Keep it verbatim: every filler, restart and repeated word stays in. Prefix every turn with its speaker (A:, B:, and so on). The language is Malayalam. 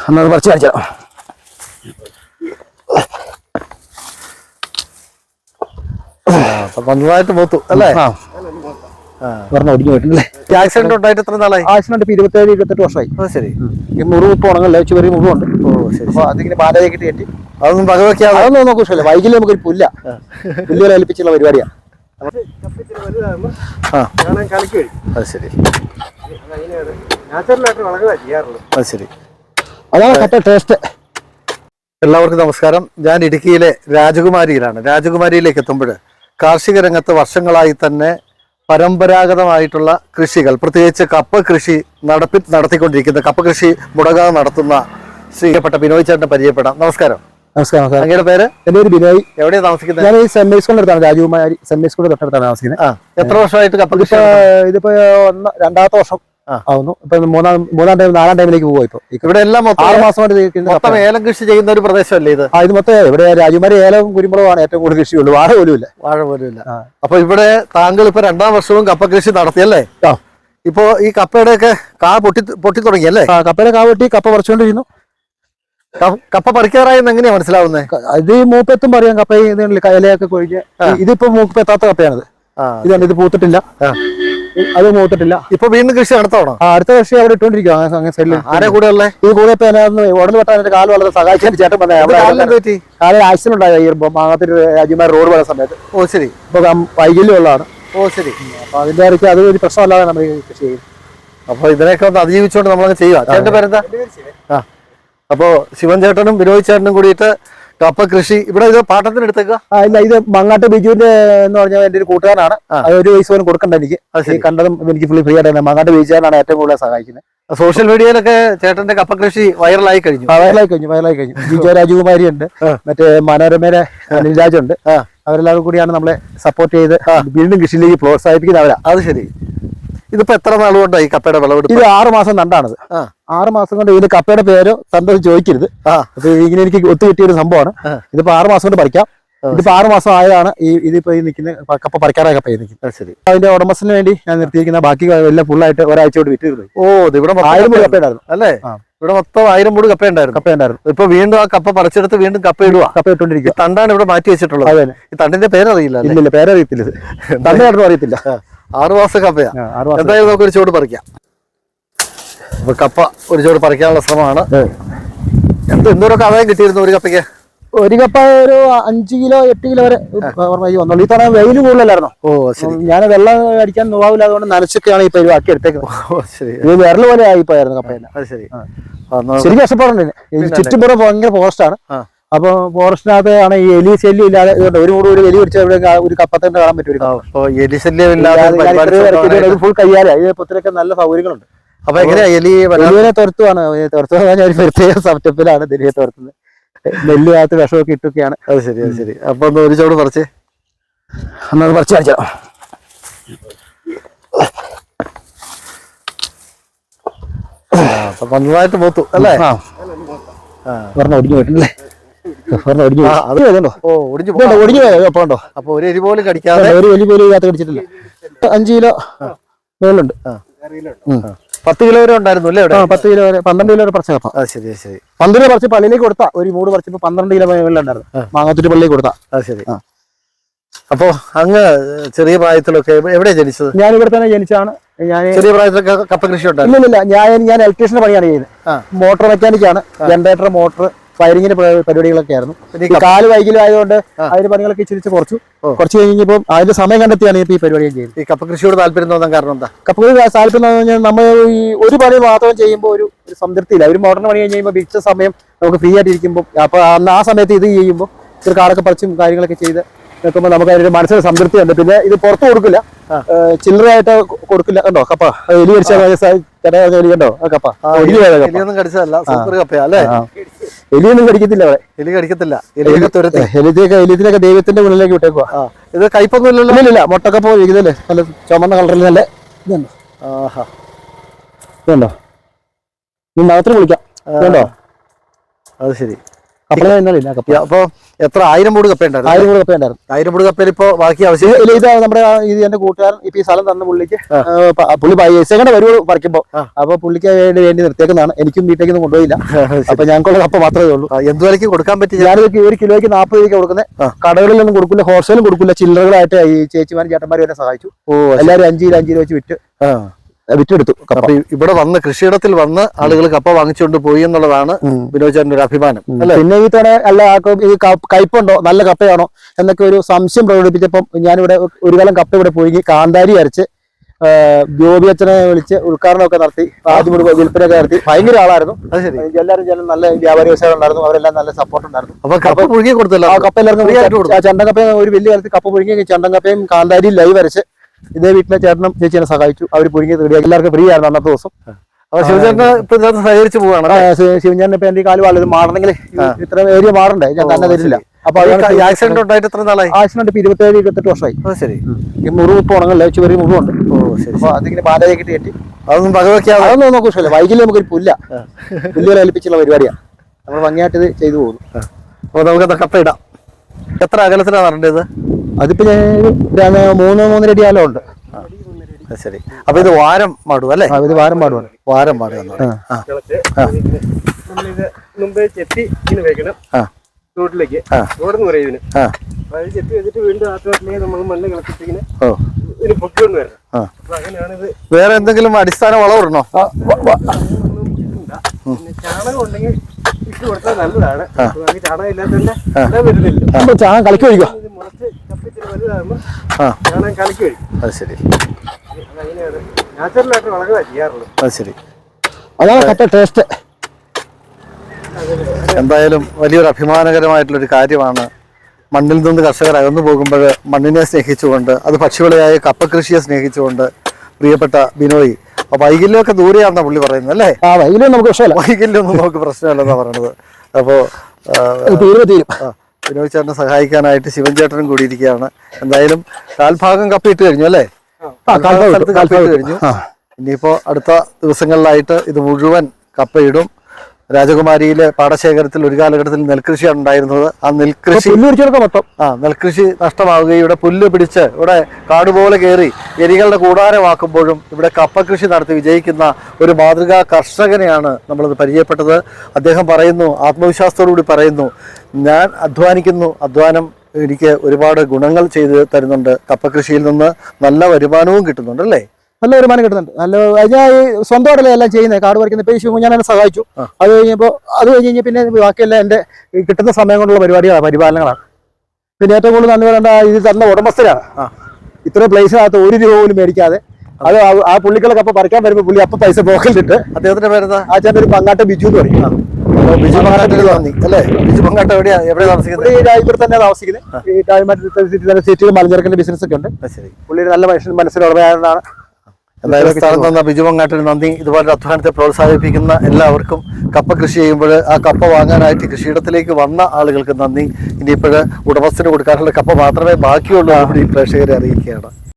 A: എന്നത് പറിച്ച് കാണിച്ചാലോ.
B: നന്നായിട്ട് പോത്തു അല്ലേ?
A: പറഞ്ഞ ഒടിഞ്ഞു പോയിട്ടില്ലേ?
B: ആക്സിഡന്റ് ഉണ്ടായിട്ട് എത്ര നാളായി?
A: ആക്സിഡന്റ് ഇപ്പൊ ഇരുപത്തേഴ് ഇരുപത്തെട്ട് വർഷമായി.
B: ശരി.
A: മുറിവ് ഇപ്പൊ ഉണങ്ങല്ലേ, ചെറിയ മുറിവുണ്ട്. ഓ ശരി. അപ്പൊ അതിങ്ങനെ ബാലയെ കിട്ടി കയറ്റി
B: അതൊന്നും വകവെക്കാതെ
A: അതൊന്നും നമുക്ക് ഇഷ്ടമല്ല. വൈകില് നമുക്കൊരു പുല്ല പുല്ലുകളെ ഏൽപ്പിച്ചുള്ള പരിപാടിയാണ്. അതാണ് കപ്പ ടേസ്റ്റ്.
B: എല്ലാവർക്കും നമസ്കാരം. ഞാൻ ഇടുക്കിയിലെ രാജകുമാരിയിലാണ്. രാജകുമാരിയിലേക്ക് എത്തുമ്പോൾ കാർഷിക രംഗത്ത് വർഷങ്ങളായി തന്നെ പരമ്പരാഗതമായിട്ടുള്ള കൃഷികൾ, പ്രത്യേകിച്ച് കപ്പ കൃഷി നടപ്പി നടത്തിക്കൊണ്ടിരിക്കുന്ന കപ്പ കൃഷി മുടങ്ങാതെ നടത്തുന്ന ശ്രീപ്പെട്ട ബിനോയ് ചേട്ടനെ പരിചയപ്പെടാം. നമസ്കാരം.
A: നമസ്കാരം.
B: അങ്ങയുടെ പേര്?
A: എന്റെ പേര് ബിനോയ്.
B: എവിടെയാണ് താമസിക്കുന്നത്?
A: ഞാൻ ഈ സെന്റ് മേരീസ് സ്കൂളിന്റെ അടുത്താണ്, രാജകുമാരി സെന്റ് മേരീസ് സ്കൂളിന്റെ തൊട്ടടുത്താണ് താമസിക്കുന്നത്.
B: എത്ര വർഷമായിട്ട് കപ്പ കൃഷി?
A: ഇതിപ്പോ ഒന്ന് രണ്ടാമത്തെ വർഷം ആവുന്നു. ഇപ്പൊ മൂന്നാം മൂന്നാം ടൈം നാലാം ടൈമിലേക്ക് പോകും. ഇപ്പൊ ഇവിടെ എല്ലാം ആറ് മാസമായിട്ട്
B: ഏലം കൃഷി ചെയ്യുന്ന ഒരു പ്രദേശമല്ലേ ഇത്?
A: ഇത് മൊത്തം ഇവിടെ രാജകുമാരി ഏലവും കുരുമുളകുമാണ് ഏറ്റവും കൂടുതൽ കൃഷിയുള്ളൂ. വാഴ പോലും ഇല്ല.
B: വാഴ പോലും ഇല്ല. അപ്പൊ ഇവിടെ താങ്കൾ ഇപ്പൊ രണ്ടാം വർഷവും കപ്പ കൃഷി നടത്തിയല്ലേ? ഇപ്പൊ ഈ കപ്പയുടെ ഒക്കെ കാ പൊട്ടി പൊട്ടി തുടങ്ങിയല്ലേ?
A: കപ്പയുടെ കാ പൊട്ടി കപ്പ പറിച്ചുകൊണ്ടിരുന്നു.
B: കപ്പ പറിക്കാറായെന്ന് എങ്ങനെയാ മനസ്സിലാവുന്നത്?
A: ഇത് മൂപ്പെത്തും പറയാം. കപ്പ ഇലയൊക്കെ കൊഴിഞ്ഞ് ഇതിപ്പോ മൂപ്പെത്താത്ത കപ്പയാണിത്. ഇതുണ്ട്, ഇത് പൂത്തിട്ടില്ല, അത് മൂത്തിട്ടില്ല.
B: ഇപ്പൊ വീണ്ടും കൃഷി നടത്തണോ?
A: അടുത്ത കൃഷി അവിടെ ഇട്ടോണ്ടിരിക്കുക.
B: ആരെ കൂടെ ഉള്ളത്?
A: ഇത് കൂടെ ഇപ്പൊ ഉടനെ വെട്ടാൻ എന്റെ കാല് വളരെ സഹായിക്കാൻ ചേട്ടൻ വന്നേ. കാലിൽ ആക്സിഡന്റ് ഉണ്ടായി മാങ്ങാത്തിൽ രാജകുമാരി റോഡ് പോകുന്ന സമയത്ത്.
B: ഓ ശരി.
A: ഇപ്പൊ വൈകല്യമുള്ളതാണ്.
B: ഓ ശരി.
A: അപ്പൊ അതിന്റെ ഇടയ്ക്ക് അത് ഒരു പ്രശ്നമല്ലാതെ നമ്മൾ കൃഷി ചെയ്യും.
B: അപ്പൊ ഇതിനൊക്കെ ഒന്ന് അതിജീവിച്ചുകൊണ്ട് നമ്മളങ്ങ് ചെയ്യുക. ചേട്ടന്റെ പേരെന്താ? ആ അപ്പൊ ശിവൻ ചേട്ടനും ബിനോയ് ചേട്ടനും കൂടിയിട്ട് കപ്പ കൃഷി ഇവിടെ ഇത് പാട്ടത്തിന് എടുത്തേക്കുക.
A: ഇല്ല, ഇത് മങ്ങാട്ട് ബിജുവിന്റെ എന്ന് പറഞ്ഞാൽ എന്റെ ഒരു കൂട്ടുകാരനാണ്. അത് ഒരു പൈസ പോലും കൊടുക്കണ്ട എനിക്ക്. കണ്ടതും എനിക്ക് ഫുള്ളി ഫ്രീ ആയിട്ട് മങ്ങാട്ട് ബിജുവിനാണ് ഏറ്റവും കൂടുതൽ സഹായിക്കുന്നത്.
B: സോഷ്യൽ മീഡിയയിലൊക്കെ ചേട്ടന്റെ കപ്പ കൃഷി വൈറലായി കഴിഞ്ഞു.
A: വൈറലായി കഴിഞ്ഞു വൈറലായി കഴിഞ്ഞു ജിജോ രാജകുമാരി ഉണ്ട്, മറ്റേ മനോരമയിലെ അനിൽരാജുണ്ട്. അവരെല്ലാവരും കൂടിയാണ് നമ്മളെ സപ്പോർട്ട് ചെയ്ത് വീണ്ടും കൃഷിയിലേക്ക് പ്രോത്സാഹിപ്പിക്കുന്നത് അവരാ.
B: അത് ശരി. ഇതിപ്പോ എത്ര നാളുകൊണ്ടായി കപ്പയുടെ വിളവെടുപ്പ്?
A: ഇത് ആറ് മാസം നണ്ടാണത്. ആറ് മാസം കൊണ്ട് ഇതിന്റെ കപ്പയുടെ പേരോ സന്തോഷം ചോദിക്കരുത്. അപ്പൊ ഇങ്ങനെ എനിക്ക് ഒത്തു കിട്ടിയ ഒരു സംഭവമാണ്. ഇതിപ്പോ ആറ് മാസം കൊണ്ട് പറിക്കാം. ഇതിപ്പോ ആറ് മാസം ആയതാണ് ഈ ഇതിപ്പോ ഈ നിൽക്കുന്ന കപ്പ പറിക്കാറായ കപ്പ നിൽക്കുന്നത്. ശരി. അതിന്റെ ഉടമസ്ഥന് വേണ്ടി ഞാൻ നിർത്തിയിരിക്കുന്ന ബാക്കി എല്ലാം ഫുള്ളായിട്ട് ഒരാഴ്ച കൊണ്ട് വിറ്റ് പോയി. ഓ ഇവിടെ ആയിരം മൂട് കപ്പ ഉണ്ടായിരുന്നു അല്ലേ?
B: ഇവിടെ മൊത്തം ആയിരം മൂട് കപ്പ ഉണ്ടായിരുന്നു.
A: കപ്പ ഉണ്ടായിരുന്നു.
B: ഇപ്പൊ വീണ്ടും ആ കപ്പ പറിച്ചെടുത്ത് വീണ്ടും കപ്പ ഇടുക.
A: കപ്പ ഇട്ടുകൊണ്ടിരിക്കുക.
B: തണ്ടാണ് ഇവിടെ മാറ്റി വെച്ചിട്ടുള്ളത്.
A: അതെ.
B: ഈ തണ്ടിന്റെ പേരറിയില്ല.
A: ഇല്ല, പേരറിയത്തില്ല. ഇത് തണ്ടാണെന്ന് അറിയത്തില്ല.
B: ആറു മാസം കപ്പയാ. എന്തായാലും നമുക്ക് ഒരു ചുവട് പറിക്കാം. അപ്പൊ കപ്പ ഒരു ചുവട് പറിക്കാനുള്ള ശ്രമമാണ്. എന്ത് എന്തോരൊക്കെ ആദായം കിട്ടിയിരുന്നു ഒരു കപ്പയ്ക്ക്?
A: ഒരു കപ്പ ഒരു അഞ്ചു കിലോ എട്ട് കിലോ വരെ വന്നുള്ളൂ. ഈ തവണ വെയിൽ കൂടുതലായിരുന്നു. ഓ ശരി. ഞാൻ വെള്ളം അടിക്കാൻ നോവാവില്ല, അതുകൊണ്ട് നനച്ചൊക്കെയാണ് ഈ പരിവാക്കി എടുത്തേക്കുന്നത്. ഇത് വിരൽ പോലെ ആയിപ്പോയായിരുന്നു കപ്പേനെ.
B: ശരി.
A: ശരിക്കും കഷ്ടപ്പാടുണ്ട്. ചുറ്റുപുറം ഭയങ്കര ഫോറസ്റ്റാണ്. അപ്പൊ ഫോറസ്റ്റിനകത്ത് ആണ് ഈ എലി ശല്യം ഇല്ലാതെ ഒരു മൂട് ഒരു എലി പിടിച്ച ഒരു കപ്പത്തന്നെ കാണാൻ പറ്റും.
B: എലി ശല്യം ഇല്ലാതെ
A: ഫുൾ കയ്യാല. ഈ പൊത്തിലൊക്കെ നല്ല സൗകര്യങ്ങളുണ്ട്.
B: അപ്പൊ എങ്ങനെയാ എലി
A: എലിയെ തുരത്തുവാണ്. തുരത്തുക ഞാൻ ഒരു പ്രത്യേക സെറ്റപ്പിലാണ് എലിയെ തുരത്തുന്നത്. നെല്ലിനകത്ത് വിഷമൊക്കെ ഇട്ടൊക്കെയാണ്.
B: അത് ശരി. അത് ശരി. അപ്പൊ ഒന്ന് ഒരു ചോട് പറിച്ചേ.
A: എന്നത് പറിച്ച് കാണിച്ചോ.
B: നന്നായിട്ട് പോത്തു അല്ലേ?
A: പറഞ്ഞ ഒടിഞ്ഞു പോയിട്ടില്ലേ? ഒടിഞ്ഞു പോയോ?
B: അപ്പൊ ഒരു എലി പോലും കടിക്കാതെ,
A: ഒരു എലി പോലും ഇതിനകത്ത് കടിച്ചിട്ടില്ല. അഞ്ചു കിലോ മേലുണ്ട്.
B: പത്ത് കിലോ വരെ ഉണ്ടായിരുന്നു അല്ലേ?
A: പത്ത് കിലോ വരെ പന്ത്രണ്ട് കിലോ വരെ പറിച്ച കപ്പ.
B: ശരി ശരി.
A: പന്ത്രണ്ട് പറിച്ച് പള്ളിയിലേക്ക് കൊടുത്താ ഒരു മൂട് പറിച്ചപ്പോ പന്ത്രണ്ട് കിലോ മേലുണ്ടായിരുന്നു. മാങ്ങാത്തൂര് പള്ളിയിൽ കൊടുത്താ.
B: അത് ശരി. അപ്പൊ അങ്ങ് ചെറിയ പ്രായത്തിലൊക്കെ എവിടെയാ ജനിച്ചത്?
A: ഞാൻ ഇവിടെ തന്നെ ജനിച്ചാണ്. ഞാൻ
B: ചെറിയ പ്രായത്തിലൊക്കെ കപ്പ കൃഷി ഉണ്ടായിരുന്നു?
A: ഇല്ലില്ല, ഞാൻ ഞാൻ ഇലക്ട്രീഷ്യന്റെ പണിയാണ് ചെയ്യുന്നത്. മോട്ടോർ മെക്കാനിക്കാണ്. ജനറേറ്റർ, മോട്ടോർ, വയറിങ്ങിന്റെ പരിപാടികളൊക്കെ ആയിരുന്നു. കാല് വൈകല്യം ആയതുകൊണ്ട് അതിന്റെ പണികളൊക്കെ ഇച്ചിരിച്ച് കുറച്ചു കുറച്ച് കഴിഞ്ഞപ്പോൾ അതിന്റെ സമയം കണ്ടെത്തിയാണ് ഈ പരിപാടി ചെയ്യുന്നത്.
B: ഈ കപ്പ കൃഷിയോട് താല്പര്യം തോന്നാൻ കാരണം എന്താ?
A: കപ്പ കൃഷി താല്പര്യം എന്ന് പറഞ്ഞാൽ നമ്മൾ ഈ ഒരു പണി മാത്രം ചെയ്യുമ്പോൾ ഒരു സംതൃപ്തിയില്ല. ഒരു മോഡേൺ പണി കഴിയുമ്പോൾ മിച്ച സമയം നമുക്ക് ഫ്രീ ആയിട്ട് ഇരിക്കുമ്പോൾ അപ്പൊ അന്ന് ആ സമയത്ത് ഇത് ചെയ്യുമ്പോൾ ഒരു കാടൊക്കെ പറിച്ചും കാര്യങ്ങളൊക്കെ ചെയ്ത് നിൽക്കുമ്പോൾ നമുക്ക് അതിന്റെ മനസ്സിന് സംതൃപ്തി ഉണ്ട്. പിന്നെ ഇത് പുറത്ത് കൊടുക്കില്ല, ചില്ലറയായിട്ട് കൊടുക്കില്ല. കണ്ടോ കപ്പ എലി കടിച്ചോ കപ്പ
B: എലിയൊന്നും കടിച്ചതല്ല, സൂപ്പർ കപ്പയാ അല്ലേ?
A: എലിയൊന്നും കടിക്കത്തില്ല. അവിടെ
B: എലി കടിക്കത്തില്ല.
A: എലിയൊക്കെ എലിയൊക്കെ ദൈവത്തിന്റെ മുന്നിലേക്ക് വിട്ടേക്കുക.
B: ഇത് കയ്പൊന്നും ഇല്ലല്ലോ?
A: ഇല്ല, മുട്ടക്കപ്പ ഇരിക്കുന്നല്ലേ, നല്ല ചുമന്ന കളറിൽ നല്ല ഇതുണ്ടോ. ഇതുണ്ടോ, നീ മാത്രം വിളിക്കാം. ഇതുണ്ടോ?
B: അത് ശരി.
A: കപ്പള ഇന്നലെ കപ്പ.
B: അപ്പൊ എത്ര ആയിരം മൂട് കപ്പ ഉണ്ടായിരുന്നു?
A: ആയിരം കൂടെ കപ്പ ഉണ്ടായിരുന്നു.
B: ആയിരം മൂട് കപ്പയിൽ ഇപ്പൊ ബാക്കി ആവശ്യം
A: ഇത് ഇത് നമ്മുടെ ഇത് എന്റെ കൂട്ടുകാരൻ ഇപ്പൊ ഈ സ്ഥലം തന്ന പുള്ളിക്ക് പുള്ളി സെക്കൻഡ് വരുവോ പറിക്കുമ്പോ, അപ്പൊ പുള്ളിക്ക് വേണ്ടി വേണ്ടി നിർത്തിയേക്കുന്നതാണ്. എനിക്കും വീട്ടിലേക്കൊന്നും കൊണ്ടുപോയില്ല. അപ്പൊ ഞങ്ങൾക്കുള്ള കപ്പ മാത്രമേ ഉള്ളൂ.
B: എന്ത് വിലക്ക് കൊടുക്കാൻ പറ്റി?
A: ഞാനൊരു ഒരു കിലോയ്ക്ക് നാൽപ്പത് രൂപയ്ക്ക് കൊടുക്കുന്നത്. കടകളിലൊന്നും കൊടുക്കില്ല, ഹോൾസെയിലും കൊടുക്കില്ല, ചില്ലറകളായിട്ട് ഈ ചേച്ചിമാരും ചേട്ടന്മാരും എന്നെ സഹായിച്ചു. എല്ലാവരും അഞ്ച് കിലോ അഞ്ച് കിലോ വെച്ച് വിറ്റ് വിറ്റെടുത്തു.
B: അപ്പൊ ഇവിടെ വന്ന് കൃഷിയിടത്തിൽ വന്ന് ആളുകൾ കപ്പ വാങ്ങിച്ചുകൊണ്ട് പോയി എന്നുള്ളതാണ് വിനോദ് ചേട്ടന്റെ ഒരു അഭിമാനം.
A: പിന്നെ ഈ തവണ അല്ല ഈ കയ്പുണ്ടോ നല്ല കപ്പയാണോ എന്നൊക്കെ ഒരു സംശയം പ്രകടിപ്പിച്ചപ്പം ഞാനിവിടെ ഒരു കാലം കപ്പ ഇവിടെ പോയി കാന്താരി അരച്ച് ജോബി അച്ഛനെ വിളിച്ച് ഉദ്ഘാടനമൊക്കെ നടത്തി, ആദ്യം വിൽപ്പനയൊക്കെ നടത്തി. ഭയങ്കര ആളായിരുന്നു. എല്ലാവരും ജനം നല്ല വ്യാപാരി വ്യവസായം ഉണ്ടായിരുന്നു. അവരെല്ലാം നല്ല സപ്പോർട്ട് ഉണ്ടായിരുന്നു.
B: അപ്പൊ കപ്പ പുഴുകി കൊടുത്തല്ലോ.
A: ആ കപ്പ എല്ലാവർക്കും ചണ്ടൻ ഒരു വലിയ കാലത്ത് കപ്പ പുഴുങ്ങി ചണ്ടൻ കപ്പയും കാന്താരിയും ലൈവ് അരച്ച് ഇതേ വീട്ടിലെ ചേട്ടനും ചേച്ചിയെ സഹായിച്ചു. അവർ പുഴുങ്ങി തീർക്കുക. എല്ലാവർക്കും ഫ്രീ ആയിരുന്നു അന്നത്തെ ദിവസം.
B: ശിവചേട്ടന് ഇപ്പൊ സഹകരിച്ചു പോവാണ്.
A: ശിവചേട്ടൻ ഇപ്പൊ എന്റെ കാല് വളരെ മാറണമെങ്കിൽ ഇത്ര ഏരിയ മാറണ്ടേ, ഞാൻ തന്നെ തരില്ല. അപ്പൊ
B: ആക്സിഡന്റ് ഉണ്ടായിട്ട് എത്ര നാളായി?
A: ആക്സിഡന്റ് ഇപ്പൊ ഇരുപത്തേഴ് ഇരുപത്തെട്ട് വർഷമായി.
B: ശരി.
A: ഈ മുറിവ് ഇപ്പൊ ഉണങ്ങല്ലേ, ചെറിയ മുറിവുണ്ട്. അപ്പൊ അതിങ്ങനെ ബാലയെ കിട്ടി കെട്ടി
B: അതൊന്നും ഭഗവയ്ക്കാതെ
A: അതൊന്നും നമുക്ക് ഇഷ്ടമല്ല. വൈകില് നമുക്കൊരു പുല്ല പുല്ലുകളെ ഏൽപ്പിച്ചുള്ള പരിപാടിയാണ്. നമ്മൾ ഭംഗിയായിട്ട് ഇത് ചെയ്തു പോകുന്നു.
B: അപ്പൊ നമുക്ക് കപ്പ ഇടാം. എത്ര അകലത്തിലാണ് നടേണ്ടത്?
A: അതിപ്പോ ഞാൻ മൂന്ന് മൂന്നര അടി ആലം ഉണ്ട്.
B: ശരി. അപ്പൊ ഇത് വാരം മാടും അല്ലേ?
A: ഇത് വാരം പാടുവാണ്.
B: വാരം പാടുക
C: മുമ്പേ ചെത്തി ഇങ്ങനെ വെക്കണം റോഡിലേക്ക്. റോഡെന്ന് പറയും ഇതിന്. അത് ചെത്തി വെച്ചിട്ട് വീണ്ടും ആ തോട്ടിലേക്ക് നമ്മൾ മണ്ണ് കളപ്പിച്ചിങ്ങനെ ഇതിന് പൊക്കിക്കൊണ്ട് വരണം. അപ്പൊ അങ്ങനെയാണിത്.
B: വേറെ എന്തെങ്കിലും അടിസ്ഥാന വളമിടണോ?
C: പിന്നെ ചാണകം ഉണ്ടെങ്കിൽ ഇട്ട് കൊടുത്താൽ നല്ലതാണ്. ചാണകം ഇല്ലാത്തതിന്റെ വരുന്നില്ല.
A: ചാണകം കലക്കി ഒഴിക്കുക.
C: ഇത് മുളച്ച് കപ്പിച്ചിട്ട് വലുതാകുമ്പോൾ ചാണകം കലക്കി ഒഴിക്കും.
B: അത് ശരി.
C: അങ്ങനെയാണ് നാച്ചുറലായിട്ട് വളരുക ചെയ്യാറുള്ളത്.
B: അത് ശരി.
A: അതാണ് കറ്റ ടേസ്റ്റ്.
B: എന്തായാലും വലിയൊരു അഭിമാനകരമായിട്ടുള്ളൊരു കാര്യമാണ്. മണ്ണിൽ നിന്ന് കർഷകർ അകന്നു പോകുമ്പോൾ മണ്ണിനെ സ്നേഹിച്ചുകൊണ്ട്, അത് പക്ഷിവിളയായ കപ്പ കൃഷിയെ സ്നേഹിച്ചുകൊണ്ട് പ്രിയപ്പെട്ട ബിനോയ്, അപ്പൊ വൈകല്യമൊക്കെ ദൂരെയാണെന്നാ പുള്ളി പറയുന്നത് അല്ലേ?
A: ആ വൈകല്യം നമുക്ക് പ്രശ്നമല്ല.
B: വൈകല്യമൊന്നും നമുക്ക് പ്രശ്നമല്ലെന്നാ പറയണത്. അപ്പോ ബിനോയ് ചേട്ടനെ സഹായിക്കാനായിട്ട് ശിവൻ ചേട്ടനും കൂടിയിരിക്കുകയാണ്. എന്തായാലും കാൽഭാഗം കപ്പയിട്ട് കഴിഞ്ഞു അല്ലേ? കപ്പയിട്ട് കഴിഞ്ഞു. ഇനിയിപ്പോ അടുത്ത ദിവസങ്ങളിലായിട്ട് ഇത് മുഴുവൻ കപ്പയിടും. രാജകുമാരിയിലെ പാടശേഖരത്തിൽ ഒരു കാലഘട്ടത്തിൽ നെൽകൃഷിയാണ് ഉണ്ടായിരുന്നത്. ആ നെൽകൃഷി ആ നെൽകൃഷി നഷ്ടമാവുകയും ഇവിടെ പുല്ല് പിടിച്ച് ഇവിടെ കാടുപോലെ കയറി എലികളുടെ കൂടാരമാക്കുമ്പോഴും ഇവിടെ കപ്പ കൃഷി നടത്തി വിജയിക്കുന്ന ഒരു മാതൃകാ കർഷകനെയാണ് നമ്മളത് പരിചയപ്പെട്ടത്. അദ്ദേഹം പറയുന്നു, ആത്മവിശ്വാസത്തോടുകൂടി പറയുന്നു, ഞാൻ അധ്വാനിക്കുന്നു, അധ്വാനം എനിക്ക് ഒരുപാട് ഗുണങ്ങൾ ചെയ്ത് തരുന്നുണ്ട്. കപ്പ കൃഷിയിൽ നിന്ന് നല്ല വരുമാനവും കിട്ടുന്നുണ്ട് അല്ലേ?
A: നല്ല വരുമാനം കിട്ടുന്നുണ്ട്. നല്ല ഞാൻ സ്വന്തമായിട്ടല്ലേ എല്ലാം ചെയ്യുന്നത്. കാട് പറിക്കുന്ന ഇപ്പൊ ഈ ശിവ ഞാൻ എന്നെ സഹായിച്ചു. അത് കഴിഞ്ഞപ്പോൾ അത് കഴിഞ്ഞ് കഴിഞ്ഞാൽ പിന്നെ ബാക്കിയെല്ലാം എൻ്റെ കിട്ടുന്ന സമയം കൊണ്ടുള്ള പരിപാടികളാണ്, പരിപാലനങ്ങളാണ്. പിന്നെ ഏറ്റവും കൂടുതൽ നന്ദി പറയേണ്ട ഇത് തന്ന ഉടമസ്ഥരാണ്. ഇത്രയും പ്ലേസിനകത്ത് ഒരു രൂപ പോലും മേടിക്കാതെ അത് ആ പുള്ളികളൊക്കെ അപ്പൊ പറിക്കാൻ വരുമ്പോൾ പുള്ളി അപ്പൊ പൈസ പോക്കലിട്ട്.
B: അദ്ദേഹത്തിന്റെ പേരെന്താ?
A: ആ ചേട്ടൻ ഒരു പങ്ങാട്ട് ബിജു എന്ന് പറയും.
B: ബിജു പങ്ങാട്ട് നന്ദി അല്ലേ? ബിജു പങ്ങാട്ട് എവിടെയാ എവിടെ താമസിക്കുന്നത്?
A: ഈ രാജ്യത്ത് തന്നെ താമസിക്കുന്നത്. ഈ രാജ്യമായിട്ട് സിറ്റിയിൽ മലഞ്ചരക്കിന്റെ ബിസിനസ് ഒക്കെ ഉണ്ട്. പുള്ളി നല്ല മനുഷ്യൻ മനസ്സിലുടമയാണെന്നാണ്.
B: എന്തായാലും സ്ഥലം തന്ന ബിജു പങ്ങാട്ടിന് നന്ദി. ഇതുപോലെ അധ്വാനത്തെ പ്രോത്സാഹിപ്പിക്കുന്ന എല്ലാവർക്കും, കപ്പ കൃഷി ചെയ്യുമ്പോൾ ആ കപ്പ വാങ്ങാനായിട്ട് കൃഷിയിടത്തിലേക്ക് വന്ന ആളുകൾക്ക് നന്ദി. ഇനിയിപ്പോൾ ഉടമസ്ഥന് കൊടുക്കാനുള്ള കപ്പ മാത്രമേ ബാക്കിയുള്ളൂ. ഈ പ്രേക്ഷകരെ അറിയിക്കുകയാണ്.